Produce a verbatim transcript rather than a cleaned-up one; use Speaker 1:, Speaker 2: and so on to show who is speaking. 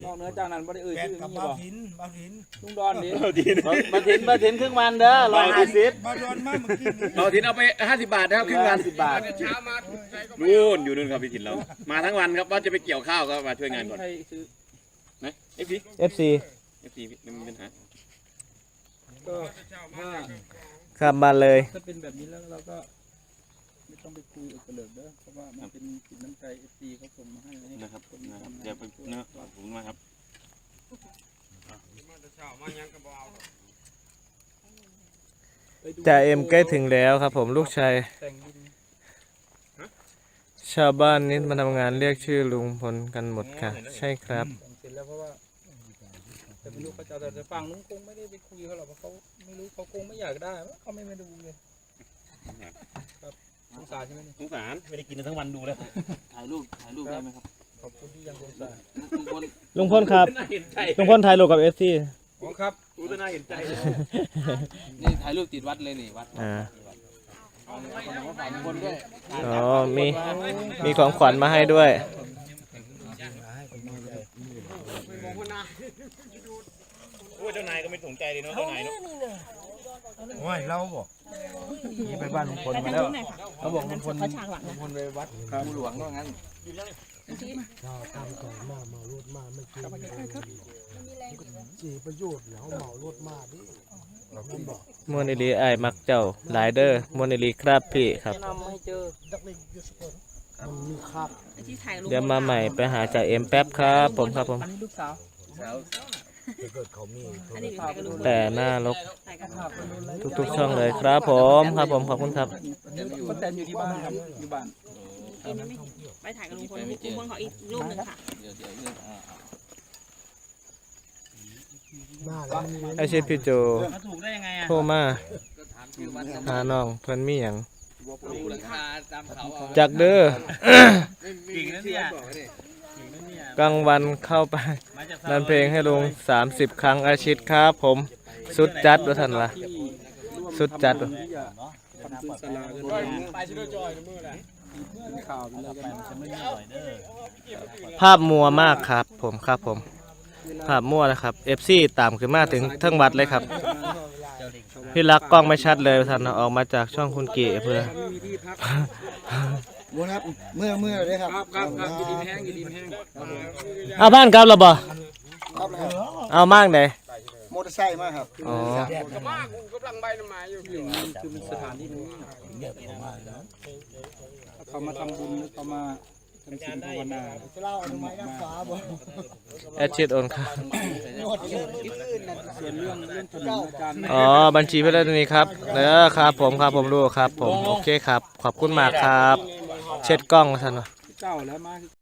Speaker 1: นอกเหนือจากนั้นบ่ได้เอ่ย
Speaker 2: แบ
Speaker 1: ชื่
Speaker 2: น
Speaker 1: อ
Speaker 2: กับ
Speaker 1: มี
Speaker 2: บ้า
Speaker 1: บ่
Speaker 2: ถินบ้าถิน
Speaker 1: ลุงดอนดิ
Speaker 3: มาถินมาถินครึ่งวันเด้อร้อยห้าสิบ
Speaker 2: บ้าดอนมาเมื่อกี้นี้
Speaker 4: เราถินเอาไปห้าสิบบาทนะครับครึ่งวัน
Speaker 3: สิบบาท
Speaker 4: นู่นอยู่นู่นครับพี่ถินเรามาทั้งวันครับว่าจะไปเกี่ยวข้าวก็มาช่วยงานก่อน
Speaker 1: ใครซื้อ
Speaker 4: นะเอฟซี
Speaker 3: เอฟซี
Speaker 4: เอฟซีไม่มีปัญหา
Speaker 1: ก็ถ้า
Speaker 3: ขับมาเลย
Speaker 1: ถ้าเป็นแบบนี้แล้วเราก็ไม่ต้องไปคุยกับเกลิกเด้อเพราะว่ามันเป็นสินน้ำใจ เอฟ ซี เขาส่งมาให้ให้
Speaker 4: นะครับนะครับเดี๋ยวไปเนาะขอบคุณมากครับ
Speaker 3: จ่าเอ็มใกล้ถึงแล้วครับผมลูกชาย
Speaker 1: แต่งดิน
Speaker 3: ชาวบ้านนี้มาทำงานเรียกชื่อลุงพลกันหมดค่ะ ใช่ครับ
Speaker 1: แต่งเสร็จแล้วเพราะว่าแต่ไม่รู้เขาจะเอาแต่ฝั่งนู้นคงไม่ได้ไปคุยเขาหรอกเพราะเขาไม่รู้เขาคงไม่อยากได้เขาไม่มาดูเลยครับสงสารใช่ไหมนี่
Speaker 4: สงสารไม่ได้กินทั้งวันดูแล้ว
Speaker 5: ถ่ายรูปถ่ายรูปได้ไหมครับ
Speaker 1: ขอบคุณที่ยังสงสาร
Speaker 5: ลุงพล
Speaker 3: ลุงพลครับ
Speaker 4: น่าเห็นใจ
Speaker 3: ลุงพลถ่ายรูปกับเอฟซี
Speaker 1: อ๋อครับ
Speaker 4: กูจะน่าเห็นใจ
Speaker 5: นี่ถ่ายรูปติดวัดเลยนี่วัด
Speaker 3: อ่า
Speaker 5: เอาของฝากลุงพลด้วย
Speaker 3: อ๋อมีมีของขวัญมาให้ด้วย
Speaker 4: โอ้เจ้านายก็ไม่สนใจเลยเนาะเจ้านายเนาะ
Speaker 2: โอ้ยเราบอก
Speaker 1: นี่ไปบ้านลุงพลมาแล้วเขาบอกลุงพล
Speaker 6: เขาฉากหลัง
Speaker 1: ลุงพลไปวัด
Speaker 5: ภูหลวงว่างั้น
Speaker 3: มวนอิลีไอายมักเจ้าหลายเด้อมวนอิลีครับพี่ครับ
Speaker 1: นำให้เจอ
Speaker 6: ที่ถ่ายรูป
Speaker 3: เดี๋ยวมาใหม่ไปหาจ่าเอ็มแป๊บครับผมครับผม
Speaker 1: อันนี้ลูกสาว
Speaker 6: อันนี้ถ่ายกับลุงพล
Speaker 3: แต่หน้ารก
Speaker 6: ถ่ายกับ
Speaker 1: ภาพเป็นรูปอะไร
Speaker 3: ทุกๆช่องเลยครับผมครับผมขอบคุณครับ
Speaker 1: ป้าแตนอยู่ที่บ้านครับอยู่บ้าน
Speaker 6: อีกนิดนึงไปถ่ายกับลุงพลลุงพลขออีกรูปหนึ่งค่ะ
Speaker 5: เดี๋ยวเดี๋ยวเรื่องอ่า
Speaker 3: ไอเชฟพี่โจ
Speaker 5: ถูกได้ยังไงอ่ะ
Speaker 3: โทรมา
Speaker 5: ก็ถามชื่อวัด
Speaker 3: หาน้องเพิ่นมีหยัง
Speaker 5: ดูราคาตามเขาเอา
Speaker 3: จากเด้อ
Speaker 5: กิ่งนั่นเนี่ย
Speaker 3: กลางวันเข้าไปนันเพลงให้ลุงสามสิบครั้งอาชิตครับผมสุดจัดว่าท่านวะสุดจัดว่ะ
Speaker 1: ที่จะทำพื้นศาลากันไปชิโดจอยมือแหละเป็นข่าวเป็นอะไรกัน
Speaker 3: ภาพมัวมากครับผมครับผม ภาพมั่วนะครับเอฟซีตามขึ้นมาถึงทั้งวัดเลยครับ พี่รักกล้องไม่ชัดเลยท่านออกมาจากช่องคุณเก๋เพื่อ
Speaker 1: ไม่มีที่พัก
Speaker 2: บัวครับเมื่อเมื่อเลยครับ
Speaker 1: ครับครับครับกินดินแห้งกินดินแห้ง
Speaker 3: เอาบ้านกลับแล้วบ่
Speaker 2: ครับแล้ว
Speaker 3: เอามากเลย
Speaker 2: มอเตอร์ไซค์มาครับ
Speaker 3: อ๋อ
Speaker 1: คือมันสถานที่นี้เขามาทำบุญหรือเขามาทำศีลภาวนา
Speaker 2: เล่าอนุมัติฟ้าบ่
Speaker 3: แอดชิดโอนครับ
Speaker 1: ส่วนเรื่องเรื่องถนนอาจารย์
Speaker 3: อ๋อบัญชีเพื่อนนี้ครับเออครับผมครับผมรู้ครับผมโอเคครับ ขอบคุณมากครับ เช็ดกล้องท่านวะ
Speaker 1: เจ้าแล้วมา